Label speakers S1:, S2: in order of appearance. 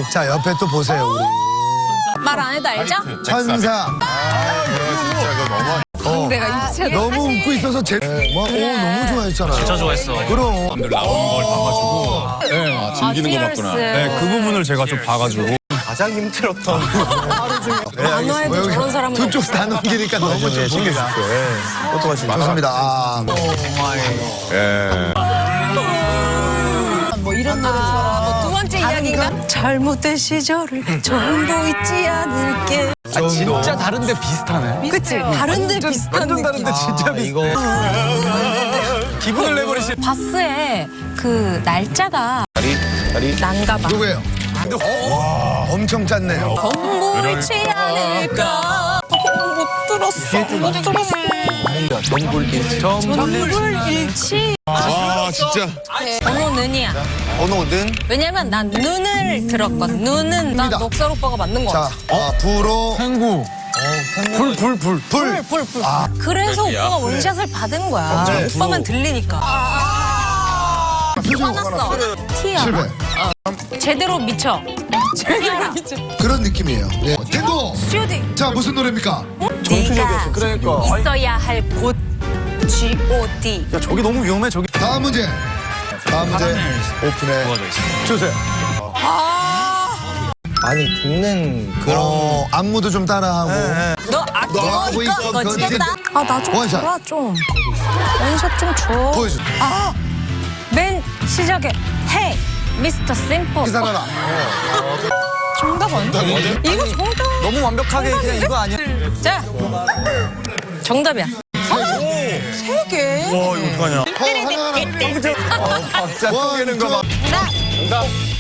S1: 자, 옆에 또 보세요, 우리.
S2: 말 안 해도 알죠?
S1: 천사.
S2: 내가 유치원
S1: 너무 웃고 있어서 너무 좋아했잖아요.
S3: 진짜 좋아했어.
S1: 그럼.
S3: 남들 나오는 걸 봐가지고.
S4: 아, 즐기는 거 봤구나.
S3: 네, 그 부분을 제가 좀 봐가지고.
S4: 가장 힘들었던
S2: 만화에도 저런 사람은
S1: 두 쪽 다 넘기니까 너무 좀 신경
S4: 네. 어떡하십니까?
S1: 좋습니다. 아,
S4: 예.
S2: 뭐 이런 노래처럼 두 번째 이야기인가? 잘못된 시절을 전부 잊지 않을게.
S3: 진짜 다른데 비슷하네.
S2: 그치? 다른데 비슷한 느낌.
S3: 진짜
S4: 이거
S3: 기분을 내버리시.
S2: 바스의 그 날짜가
S4: 다리.
S2: 난가 봐.
S1: 누구예요? 엄청 짰네요.
S2: 전부 잊지 않을까. 못 들었어. 전부를 잃지.
S4: 아, 진짜.
S2: 번호는이야.
S1: 번호는?
S2: 왜냐면 난 눈을 들었거든. 눈은 난
S1: 입니다.
S2: 녹살 오빠가 맞는 거
S1: 자,
S2: 같아.
S1: 부로.
S3: 탱구. 불.
S1: 불.
S2: 불. 그래서 오빠가 원샷을 받은 거야.
S1: 네.
S2: 오빠만 들리니까. 화났어. 티야.
S1: 실패.
S2: 제대로 미쳐. 제대로 미쳐.
S1: 그런 느낌이에요. 네. 탱고.
S2: 슈딩.
S1: 자, 무슨 노래입니까?
S2: 네가
S4: 그러니까.
S2: 있어야 할 곳. G.O.D.
S3: 야, 저기 너무 위험해, 저기.
S1: 다음 문제. 다음 문제 오픈해
S3: 도와줘 있어.
S1: 주세요.
S4: 많이 듣는 그런.
S1: 안무도 좀 따라하고.
S2: 너
S1: 하고
S2: 아끼고
S1: 있어,
S2: 이거 거지겠다.
S1: 건지.
S2: 나 좀
S1: 원샷.
S2: 줘라 좀. 원샷 좀 줘.
S1: 보여줘.
S2: 맨 시작에 헤이 미스터 심플.
S1: 기사라라.
S2: 정답 아니야? 이거 정답.
S3: 너무 완벽하게 그냥 이거 아니야?
S2: 자, 정답이야. 세 개.
S3: 와, 이거 어떡하냐.
S1: 하나.
S4: 박자
S1: 원,
S4: 쪼개는 거 봐.
S2: 나.